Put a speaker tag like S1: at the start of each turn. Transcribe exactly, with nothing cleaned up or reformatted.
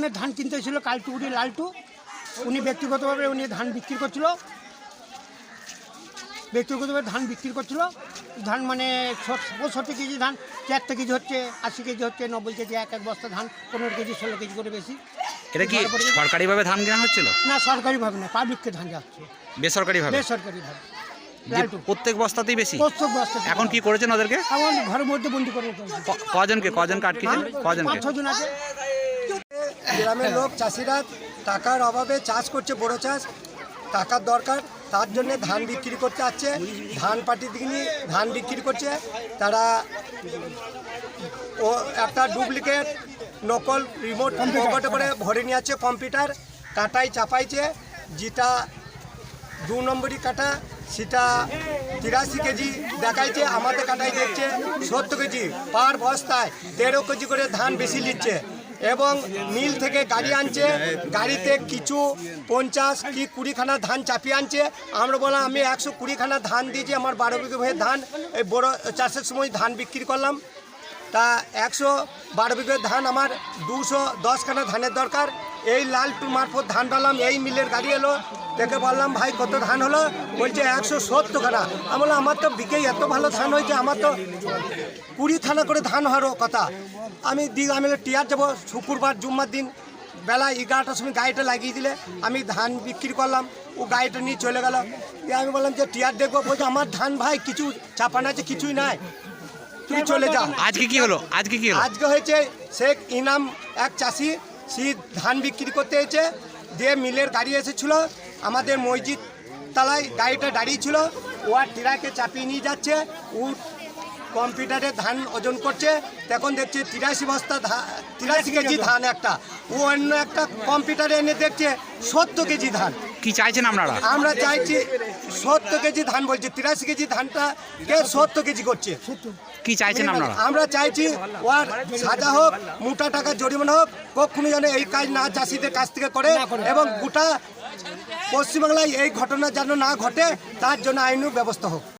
S1: গ্রামের ধান কিনতে ছিল কালটুকুরি লালটু, উনি ব্যক্তিগতভাবে উনি ধান বিক্রি করছিল ব্যক্তিগতভাবে ধান বিক্রি করছিল ধান মানে পঁয়ষট্টি কেজি ধান চারটে কেজি হচ্ছে, আশি কেজি হচ্ছে, নব্বই কেজি, এক এক বস্তা ধান পনেরো কেজি ষোলো কেজি করে বেশি।
S2: এটা কি সরকারিভাবে ধান কেনা হচ্ছিল?
S1: না, সরকারিভাবে না, পাবলিককে ধান যাচ্ছে
S2: বেসরকারিভাবে।
S1: বেসরকারিভাবে
S2: প্রত্যেক বস্তাতেই বেশি।
S1: প্রত্যেক বস্তা।
S2: এখন কি করেছেন ওদেরকে?
S1: এখন ঘরের মধ্যে বন্দি করে
S2: কজনকে কজনকে আটকেছেন? কজনকে?
S1: পাঁচ ছজন আছে।
S3: গ্রামের লোক চাষিরা টাকার অভাবে চাষ করছে, বড় চাষ, টাকার দরকার, তার জন্য ধান বিক্রি করতে আসছে। ধান পাটি দিয়ে ধান বিক্রি করছে তারা। ও একটা ডুপ্লিকেট নকল রিমোট পকেটে করে ভরে নিয়ে যাচ্ছে, কম্পিউটার কাটাই চাপাইছে। যেটা দু নম্বরই কাটা সেটা তিরাশি কেজি দেখাইছে, আমাদের কাটাই দেখছে সত্তর কেজি। পার বস্তায় তেরো কেজি করে ধান বেশি নিচ্ছে এবং মিল থেকে গাড়ি আনছে, গাড়িতে কিছু পঞ্চাশ কি কুড়িখানা ধান চাপিয়ে আনছে। আমরা বললাম আমি একশো কুড়িখানা ধান দিয়েছি, আমার বারো বিঘে হয়ে ধান এই বড় চাষের সময় ধান বিক্রি করলাম। তা একশো বারো বিঘে ধান আমার দুশো দশখানা ধানের দরকার। এই লালটু মারফত ধান পেলাম, এই মিলের গাড়ি এলো, দেখে বললাম ভাই কত ধান হলো? বলছে একশো সত্তরখানা। আমি বললাম আমার তো বিঘে এত ভালো ধান হয়েছে, আমার তো কুড়ি থানা করে ধান হওয়ার কথা। আমি দিই আমি টিয়ার যাবো শুক্রবার জুম্মার দিন বেলা এগারোটার সময় গাড়িটা লাগিয়ে দিলে আমি ধান বিক্রি করলাম। ও গাড়িটা নিয়ে চলে গেল। দিয়ে আমি বললাম যে টিয়ার দেখবো, বলছে আমার ধান ভাই কিছু চাপানো আছে, কিছুই নাই, তুমি চলে যাও।
S2: আজকে কি হলো? আজকে কি হলো?
S3: আজকে হয়েছে শেখ ইনাম এক চাষি, সে ধান বিক্রি করতে এসেছে, দিয়ে মিলের গাড়ি এসেছিলো আমাদের মসজিদ তলায় গাড়িটা দাঁড়িয়েছিল। ও আর টিরাকে চাপিয়ে নিয়ে যাচ্ছে, ও কম্পিউটারে ধান ওজন করছে। তখন দেখছে তিরাশি বস্তা তিরাশি কেজি ধান একটা, ও অন্য একটা কম্পিউটারে এনে দেখছে সত্তর কেজি ধান।
S2: কি চাইছেন আপনারা?
S3: আমরা চাইছি সত্তর কেজি ধান, বলছে তিরাশি কেজি ধানটা কে সত্তর কেজি করছে।
S2: কি চাইছেন আপনারা?
S3: আমরা চাইছি ওর সাজা হোক, মোটা টাকা জরিমানা হোক, কখনো যেন এই কাজ না চাষিদের কাছ থেকে করে এবং গোটা পশ্চিমবাংলায় এই ঘটনা যেন না ঘটে, তার জন্য আইনি ব্যবস্থা হোক।